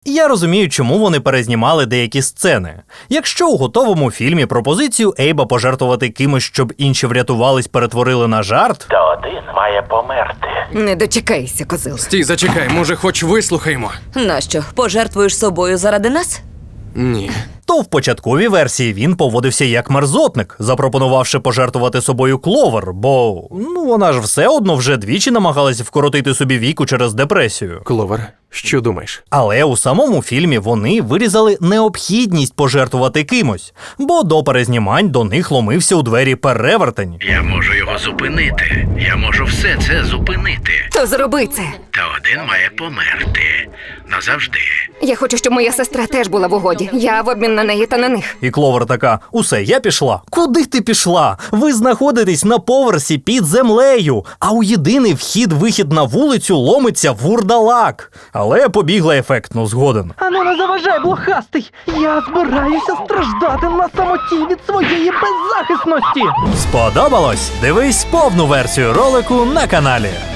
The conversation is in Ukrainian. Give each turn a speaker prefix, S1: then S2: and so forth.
S1: Я розумію, чому вони перезнімали деякі сцени. Якщо у готовому фільмі пропозицію Ейба пожертвувати кимось, щоб інші врятувались, перетворили на жарт,
S2: То один має померти.
S3: Не дочекайся, козил.
S4: Стій, зачекай, може, хоч вислухаємо?
S3: Нащо? Пожертвуєш собою заради нас?
S4: Ні.
S1: то в початковій версії він поводився як мерзотник, запропонувавши пожертвувати собою Кловер, бо, вона ж все одно вже двічі намагалась вкоротити собі віку через депресію.
S4: Кловер, що думаєш?
S1: Але у самому фільмі вони вирізали необхідність пожертвувати кимось, бо до перезнімань до них ломився у двері перевертень.
S2: Я можу його зупинити. Я можу все це зупинити.
S3: То зроби це.
S2: Та один має померти. Назавжди.
S5: Я хочу, щоб моя сестра теж була в угоді. Я в обмін на неї та на них.
S1: І Кловер така: усе, я пішла. Куди ти пішла? Ви знаходитесь на поверсі під землею, а у єдиний вхід-вихід на вулицю ломиться вурдалак. Але побігла ефектно, згоден.
S6: Ану, не заважай, блохастий! Я збираюся страждати на самоті від своєї беззахисності!
S1: Сподобалось? Дивись повну версію ролику на каналі.